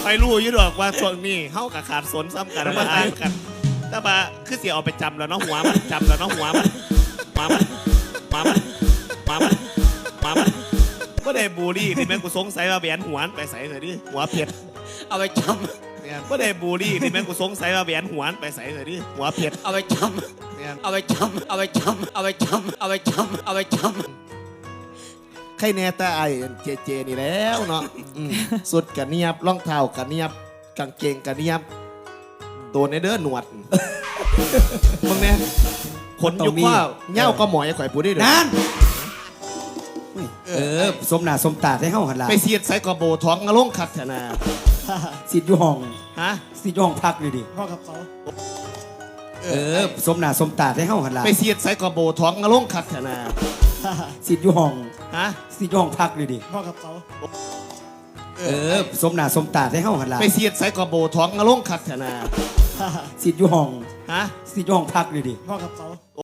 ไปรู้อยู่ดอกว่าช่วงนี้เฮากับขาดสนซ้ำกันมาอ่านกันแต่ว่าคือเสียเอาไปจำแล้วเนาะหัวมันจำแล้วเนาะหัวมันมามันมามันมามันมามันก็ได้บูรี่ที่แม่กูสงสัยว่าแหวนหัวไปใส่เลยดิหัวเผ็ดเอาไปจเนี่ยก็ได้บูรี่ที่แม่กูสงสัยว่าแหวนหัวไปใส่เลยดิหัวเผ็ดำเอาไปจำเนี่ยเอาไปจำเอาไปจำเอาไปจำเอาไปจำเอาไปจำใครแน่แต่ไอ้เจนี่แล้วเนาะสุดกระเนียบรองเท้ากระเนียบกางเกงกระเนียบโดนในเด้อหนวดมึงเนี่ยขนยุกว่าเง่าก็หมอยข่อยพูดได้เลยนั่นสมหน้าสมตาให้เฮาหันหลังไปเสียดใส่กระโบท้องกระล่งขัดแถนาสิทธิ์อยู่ห้องฮะสิทธิ์อยู่ห้องพักเลยดิพ่อกับเขาสมหน้าสมตาให้เฮาหันหลังไปเสียดใส่กระโบท้องกระล่งขัดแถนาสิทธิ์อยู่ห้องฮะสิทธิ์อยู่ห้องพักเลยดิพ่อกับเขาสมหน้าสมตาให้เฮาหันหลังไปเสียดใส่กระโบท้องกระล่งขัดแถนาสิทธิ์อยู่ห้องฮะสิทธิ์อยู่ห้องพักเลยดิพ่อกับเขา